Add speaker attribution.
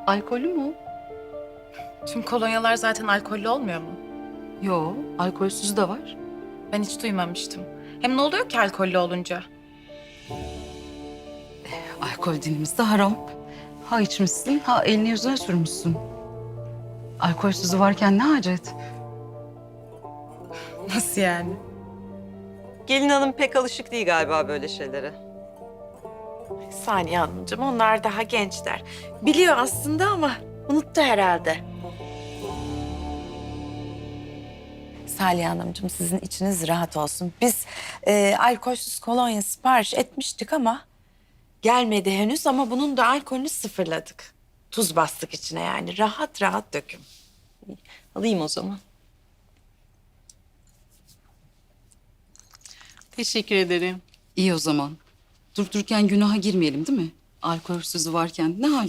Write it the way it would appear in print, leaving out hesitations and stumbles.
Speaker 1: Alkollü mü o?
Speaker 2: Tüm kolonyalar zaten alkollü olmuyor mu?
Speaker 1: Yo, alkolsüzü de var.
Speaker 2: Ben hiç duymamıştım. Hem ne oluyor ki alkollü olunca?
Speaker 1: Alkol dinimizde haram. Ha içmişsin, ha elini yüzüne sürmüşsün. Alkolsüzü varken ne hacet?
Speaker 2: Nasıl yani?
Speaker 3: Gelin hanım pek alışık değil galiba böyle şeylere.
Speaker 4: Saniye Hanımcığım, onlar daha gençler. Biliyor aslında ama unuttu herhalde. Salih Hanımcığım, sizin içiniz rahat olsun. Biz alkolsüz kolonya sipariş etmiştik ama gelmedi henüz, ama bunun da alkolünü sıfırladık. Tuz bastık içine yani. Rahat rahat dökün.
Speaker 3: Alayım o zaman.
Speaker 5: Teşekkür ederim.
Speaker 1: İyi o zaman. Durup dururken günaha girmeyelim değil mi? Alkolsüzü varken ne hacet?